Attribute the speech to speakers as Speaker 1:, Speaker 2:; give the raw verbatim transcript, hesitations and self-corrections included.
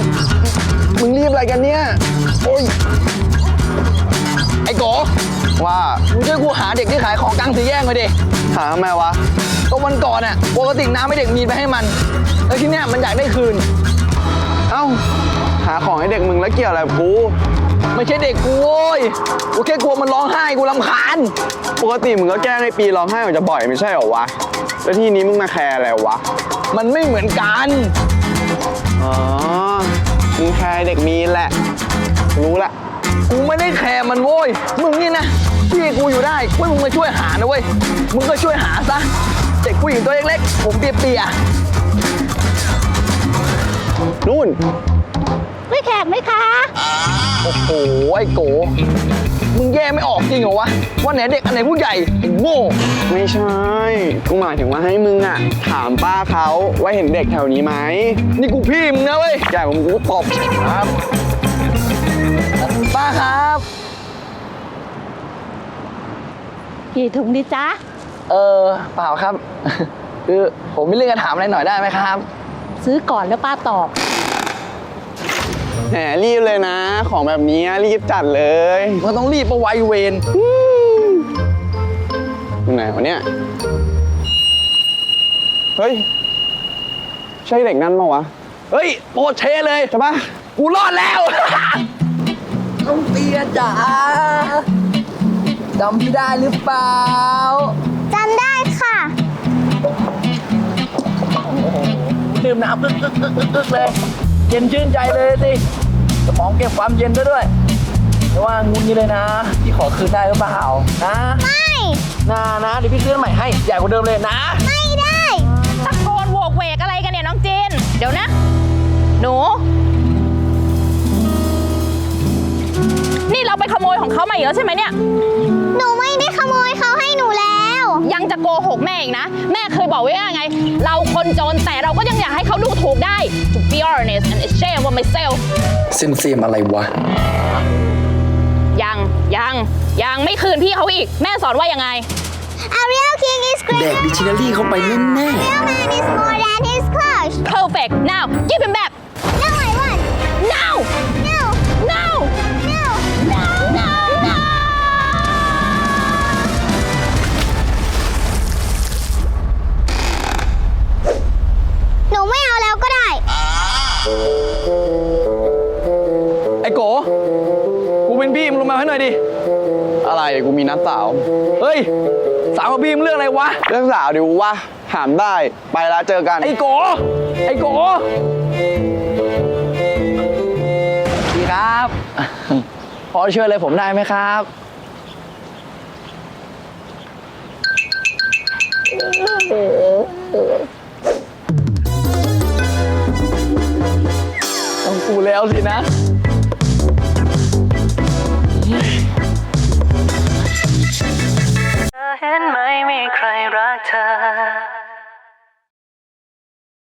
Speaker 1: มึงรีบอะไรกันเนี่ยโอ้ยไอ้โกว่ามึงช่วยกูหาเด็กที่ขายของกลางสี่แยกหน่อยดิหาทำไมวะก็วันก่อนอ่ะปกติน้ำให้เด็กมีนไปให้มันแล้วที่เนี้ยมันอยากได้คืนเอ้าหาของให้เด็กมึงแล้วเกี่ยวอะไรกับกูไม่ใช่เด็กกูโว้ยกูแค่กลัวมันร้องไห้กูรำคาญปกติมึงก็แก้ในปีร้องไห้มันจะบ่อยไม่ใช่เหรอวะแล้วที่นี้มึงมาแคร์อะไรวะมันไม่เหมือนกันอ๋อมึงแคร์เด็กมีนแหละรู้ละกูไม่ได้แคร์มันโว้ยมึงนี่นะพี่กูอยู่ได้กูมึงมาช่วยหานะเว้ยมึงก็ช่วยหาซะเด็กผู้หญิงตัวเล็กๆผมเปียๆนู่น
Speaker 2: ไม่แขกไหมคะ
Speaker 1: โอ้โหไอ้โกมึงแย่ไม่ออกจริงเหรอวะว่าไหนเด็กอันไหนผู้ใหญ่ไอ้โง่ไม่ใช่กูหมายถึงว่าให้มึงอ่ะถามป้าเขาว่าเห็นเด็กแถวนี้ไหมนี่กูพี่มึงนะเว้ยใหญ่กว่ามึงกูตบครับป้าครับ
Speaker 2: กี่ถุงดีจ๊ะ
Speaker 1: เออเปล่าครับคือผมมีเรื่องจะถามอะไรหน่อยได้ไหมครับ
Speaker 2: ซื้อก่อนแล้วป้าตอบ
Speaker 1: แหมรีบเลยนะของแบบนี้รีบจัดเลยมันต้องรีบประไวเวนอยู่ไหนวะเนี่ยเฮ้ยใช่เด็กนั่นมั้วะเฮ้ยโปรเชเลยใช่ปะกูรอดแล้วต้องเตียจ๋าจำพี่ได้หรือเปล่า
Speaker 2: จำได้ค่ะ
Speaker 1: ดื่มน้ำกึกกึกกึกกึกเลยเย็นชื่นใจเลยสิสมองเก็บความเย็นได้ด้วยแต่ว่างุนนี้เลยนะพี่ขอคืนได้หรือเปล่านะ
Speaker 2: ไม่
Speaker 1: นะนะเดี๋ยวพี่ซื้อใหม่ให้ใหญ่กว่าเดิมเลยนะ
Speaker 2: ไม่ได้
Speaker 3: ตะโกนโวกเวกอะไรกันเนี่ยน้องจีนเดี๋ยวนะหนูนี่เราไปขโมยของเขามาอีกแล้วใช่ไหมเนี่ย
Speaker 2: หนูไม่ได้ขโมยเขาให้หนูแล้ว
Speaker 3: ยังจะโกหกแม่อีกนะแม่เคยบอกไว้ว่าไงเราคนจนแต่เราก็ยังอยากให้เขาดูถูกได้ to be honest and ashamed of myself
Speaker 4: เซมเซมอะไรวะ
Speaker 3: ยังยังยังไม่คืนพี่เขาอีกแม่สอนว่ายังไง
Speaker 2: A real king is great
Speaker 4: แดกดิกชันนารีเข้าไปแน่แน่
Speaker 2: Real man is more than his clothes
Speaker 3: perfect now give him back
Speaker 2: No I want
Speaker 3: now
Speaker 2: No
Speaker 3: no
Speaker 2: No
Speaker 3: no no no
Speaker 2: หนูไม่เอาแล้วก็ได้
Speaker 1: ไอ้โกกูเป็นพี่มึงลงมาให้หน่อยดิอะไรกูมีนัดสาวเฮ้ยสาวกับพี่มึงเรื่องอะไรวะเรื่องสาวดิวะถามได้ไปแล้วเจอกันไอ้โกไอ้โกพี่ครับพอช่วยอะไรผมได้ไหมครับต้องกูแล้วสินะ
Speaker 5: เห็นไหมมีใครรักเธอ